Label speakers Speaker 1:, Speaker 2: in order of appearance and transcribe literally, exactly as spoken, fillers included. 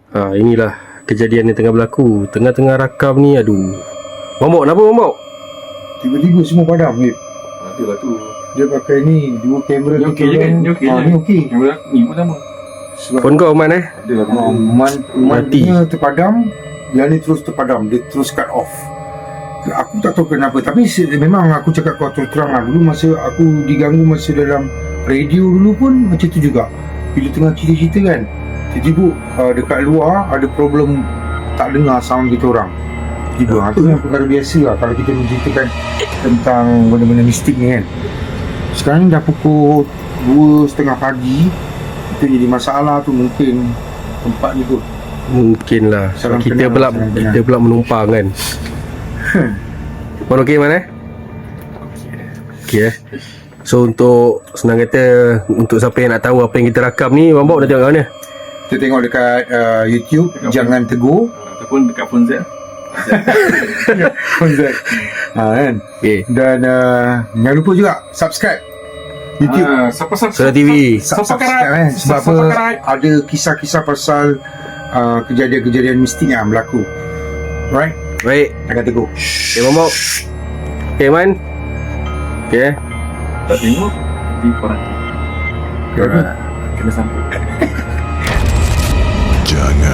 Speaker 1: Ha, inilah kejadian yang tengah berlaku. Tengah-tengah rakam ni, aduh. Mambok, kenapa Mambok?
Speaker 2: Tiba-tiba semua padam, Mip.
Speaker 3: Ada lah tu.
Speaker 2: Dia pakai ni, dua kamera
Speaker 3: Ni okey je kan? Ni okey
Speaker 2: ah,
Speaker 3: je.
Speaker 2: ni okey.
Speaker 3: Kamera ni pun sama.
Speaker 2: Sebab
Speaker 1: Phone kau aman eh?
Speaker 3: Ada lah.
Speaker 2: ah, man,
Speaker 1: Mati.
Speaker 2: man terpadam, yang ni terus terpadam, dia terus cut off. Aku tak tahu kenapa, tapi se- memang aku cakap kau terus terang lah. Dulu masa aku diganggu masa dalam radio dulu pun macam tu juga. Bila tengah cerita-cerita kan, tiba-tiba uh, dekat luar ada problem tak dengar sound kita orang. Tiba, ha, tu yang perkara biasa lah kalau kita menceritakan tentang benda-benda mistik ni kan. Sekarang ni dah pukul dua setengah pagi. Itu jadi masalah tu mungkin tempat ni kot.
Speaker 1: Mungkin lah.
Speaker 2: Salam
Speaker 1: Kita
Speaker 2: kenal,
Speaker 1: pula
Speaker 2: salam
Speaker 1: kita
Speaker 2: kenal.
Speaker 1: pula menumpang kan. Man okey man eh? Okey eh. So untuk senang kata, untuk siapa yang nak tahu apa yang kita rakam ni, Mambok nak tengok kat mana?
Speaker 2: Kita tengok dekat uh, YouTube,
Speaker 3: Dekat
Speaker 2: Jangan Tegur.
Speaker 3: Ataupun dekat phone Z.
Speaker 2: Konzert. Ha kan.
Speaker 1: Okey.
Speaker 2: Dan uh, jangan lupa juga subscribe YouTube.
Speaker 3: Ah, siapa siapa
Speaker 1: Suara T V.
Speaker 2: Sub-
Speaker 3: Subscribe
Speaker 2: subscribe kan. Sebab apa?
Speaker 3: Subscribe.
Speaker 2: Ada kisah-kisah pasal uh, kejadian-kejadian mistik yang berlaku. Right?
Speaker 1: Baik.
Speaker 2: Jangan tegur.
Speaker 1: Okey Mambok. Okey man. Okey eh.
Speaker 3: Tak tengok di korang.
Speaker 1: Alright.
Speaker 3: Kena sampai.
Speaker 4: Jangan